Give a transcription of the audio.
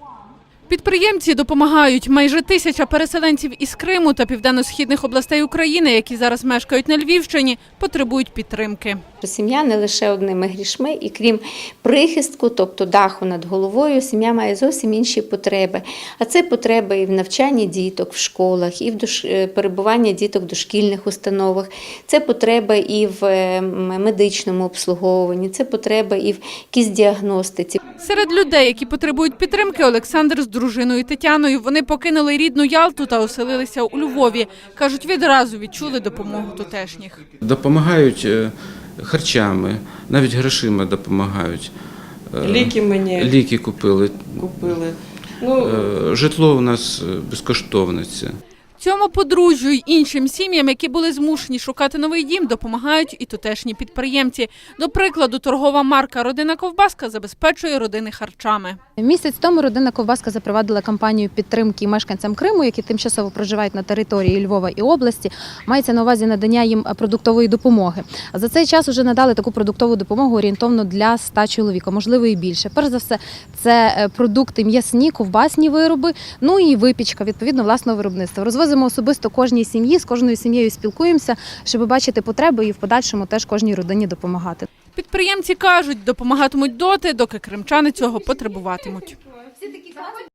Підприємці допомагають. Майже 1000 переселенців із Криму та південно-східних областей України, які зараз мешкають на Львівщині, потребують підтримки. Сім'я не лише одними грішми, і крім прихистку, тобто даху над головою, сім'я має зовсім інші потреби. А це потреби і в навчанні діток в школах, і в перебуванні діток в дошкільних установах, це потреби і в медичному обслуговуванні, це потреби і в якійсь діагностиці. Серед людей, які потребують підтримки, Олександр з дружиною Тетяною. Вони покинули рідну Ялту та оселилися у Львові. Кажуть, відразу відчули допомогу тутешніх. Допомагають харчами, навіть грошима допомагають. Ліки мені Ліки купили. Житло у нас безкоштовне. Цьому подружжю й іншим сім'ям, які були змушені шукати новий дім, допомагають і тутешні підприємці. До прикладу, торгова марка «Родина Ковбаска» забезпечує родини харчами. Місяць тому «Родина Ковбаска» запровадила кампанію підтримки мешканцям Криму, які тимчасово проживають на території Львова і області. Мається на увазі надання їм продуктової допомоги. За цей час вже надали таку продуктову допомогу орієнтовно для 100 чоловік, а можливо і більше. Перш за все, це продукти м'ясні, ковбасні вироби, ну і випічка, відповідно, власного виробництва. Розвозимо особисто кожній сім'ї, з кожною сім'єю спілкуємося, щоб бачити потреби і в подальшому теж кожній родині допомагати. Підприємці кажуть, допомагатимуть доти, доки кримчани цього потребуватимуть.